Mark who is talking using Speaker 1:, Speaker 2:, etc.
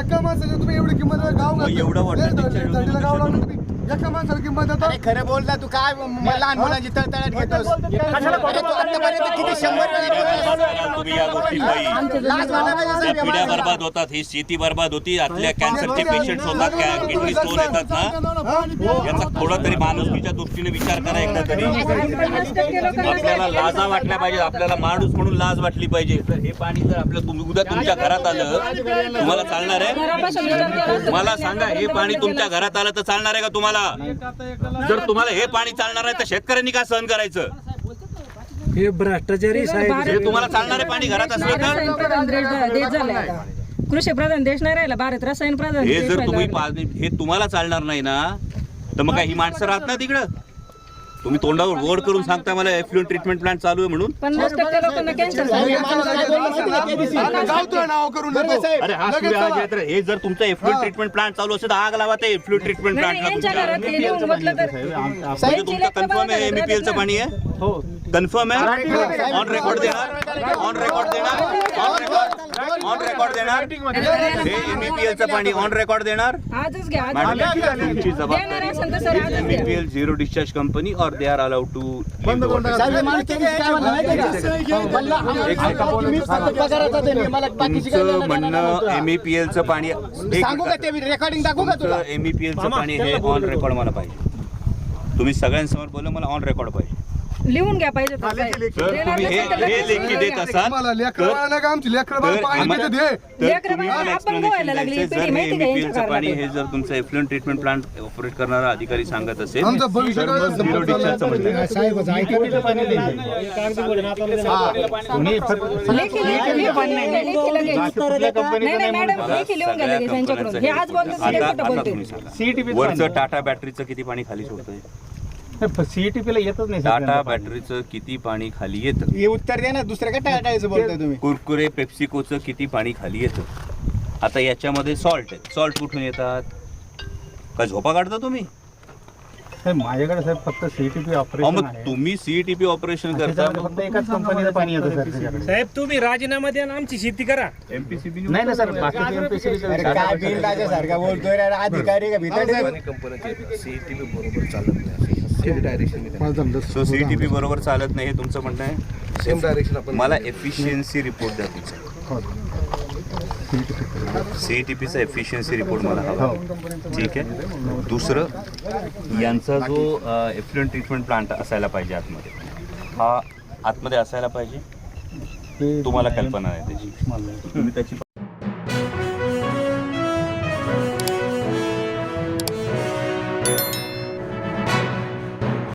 Speaker 1: एका माणसाला तुम्ही एवढी किंमत गाव
Speaker 2: एवढं वाटतं
Speaker 1: गाव लावून तुम्ही एका माणसाला किंमत देता.
Speaker 3: खरं बोलता तू काय लहान मुलांची तळतळाट घेतोस. किती 100 वेळा
Speaker 2: तुम्ही या गोष्टी पिढ्या बर्बाद होतात, ही शेती बर्बाद होती, आतल्या कॅन्सरचे पेशंट्स होतात, किडनी स्टोन येतात ना, याचा थोडा तरी माणुसकीच्या दृष्टीने विचार करा एकदा तरी. आपल्याला लाजा वाटल्या पाहिजे, आपल्याला माणूस म्हणून लाज वाटली पाहिजे. तर हे पाणी जर आपल्या उद्या तुमच्या घरात आलं तुम्हाला चालणार आहे? मला सांगा, हे पाणी तुमच्या घरात आलं तर चालणार आहे का तुम्हाला? जर तुम्हाला हे पाणी चालणार आहे तर शेतकऱ्यांनी का सहन करायचं?
Speaker 4: हे भ्रष्टाचारी साहेब,
Speaker 2: हे तुम्हाला चालणारे पाणी घरात असलं तर
Speaker 5: कृषी प्रधान देश नाही राहिला, भारत रसायन प्रधान.
Speaker 2: हे जर तुम्ही हे तुम्हाला चालणार नाही ना, तर मग काय ही माणसं राहत ना तिकडं? तुम्ही तोंडावर गोड करून सांगता मला एफ्लुएंट ट्रीटमेंट प्लांट चालू आहे म्हणून.
Speaker 5: 50% लोकांना कॅन्सर
Speaker 1: नाव करून देतो.
Speaker 2: अरे हा सूर्य आज येत रे. हे जर तुमचं एफ्लुएंट ट्रीटमेंट प्लांट चालू असेल तर आग लावा ते एफ्लुएंट ट्रीटमेंट
Speaker 5: यांच्या घरात
Speaker 2: प्लांट.
Speaker 5: हे लिहून म्हटलं तर
Speaker 2: तुमचं कन्फर्म आहे एमईपीएलचं पाणी आहे? हो कन्फर्म आहे. ऑन रेकॉर्ड देणार, ऑन रेकॉर्ड देणार, ऑन रेकॉर्ड देणार. हे एमईपीएलचं पाणी ऑन रेकॉर्ड देणार.
Speaker 5: आजच घ्या,
Speaker 2: तुमची जबाबदारी. एमईपीएल झिरो डिस्चार्ज कंपनी और दे आर अलाउड टू. तुमचं म्हणणं एमईपीएलचं पाणी
Speaker 3: रेकॉर्डिंग दाखवू का तुला?
Speaker 2: एमईपीएलचं पाणी हे ऑन रेकॉर्ड मला पाहिजे. तुम्ही सगळ्यांसमोर बोललं मला ऑन रेकॉर्ड पाहिजे.
Speaker 5: लिहून घ्या पाहिजे तर साहेब.
Speaker 2: तर तुम्ही हे लेखी देत असाल
Speaker 1: मला लेकरं बाळाला का आमची लेकरं बाळ पाणी पिते दे.
Speaker 2: तर तुम्ही मला एक्सप्लेनेशन द्यायचं. जर हे एमईपीएलचं पाणी हे जर तुमचं एफ्लुएंट ट्रीटमेंट प्लांट ऑपरेट करणारा अधिकारी सांगत असेल
Speaker 1: आमचं भविष्य
Speaker 2: तर मग झिरो डिस्चार्जचं म्हणणं आहे.
Speaker 5: लेखी मॅडम लेखी लिहून घ्या लगेच यांच्याकडून. हे आज बोलतो ते खोटं
Speaker 2: आता
Speaker 5: बोलते.
Speaker 2: तुम्ही सांगा, वरचं टाटा बॅटरीचं किती पाणी खाली सोडतंय?
Speaker 4: सीईटीपीला येतच नाही.
Speaker 2: टाटा बॅटरीचं किती पाणी खाली येतं?
Speaker 3: हे उत्तर द्या ना, दुसऱ्या काय टाळायचं बोलताय तुम्ही?
Speaker 2: कुरकुरे पेप्सिकोचं किती पाणी खाली येतं? आता याच्यामध्ये सॉल्ट आहे. सॉल्ट कुठून येतात? का झोपा काढता तुम्ही?
Speaker 4: माझ्याकडे साहेब फक्त सीईटीपी ऑपरेशन
Speaker 2: मग तुम्ही सीईटीपी ऑपरेशन करता,
Speaker 4: फक्त एकाच कंपनीचं पाणी येतं सर त्याच्याकडे.
Speaker 6: साहेब तुम्ही राजीनामा द्या आणि आमची शेती करा.
Speaker 2: एमपीसीबी
Speaker 4: नाही ना सर, बाकी एमपीसीबी
Speaker 3: अरे काय बिल राजासारखा बोलतोय रे, अधिकारी का भितर?
Speaker 2: सो सीईटीपी बरोबर चालत नाही हे तुमचं म्हणणं आहे?
Speaker 1: सेम डायरेक्शन आपण
Speaker 2: मला एफिशियन्सी रिपोर्ट द्या तुमचा. सीईटीपीचा एफिशियन्सी रिपोर्ट मला हवा. ठीक आहे. दुसरं, यांचा जो एफ्लुएंट ट्रीटमेंट प्लांट असायला पाहिजे आतमध्ये, हा आतमध्ये असायला पाहिजे. तुम्हाला कल्पना आहे त्याची, तुम्ही त्याची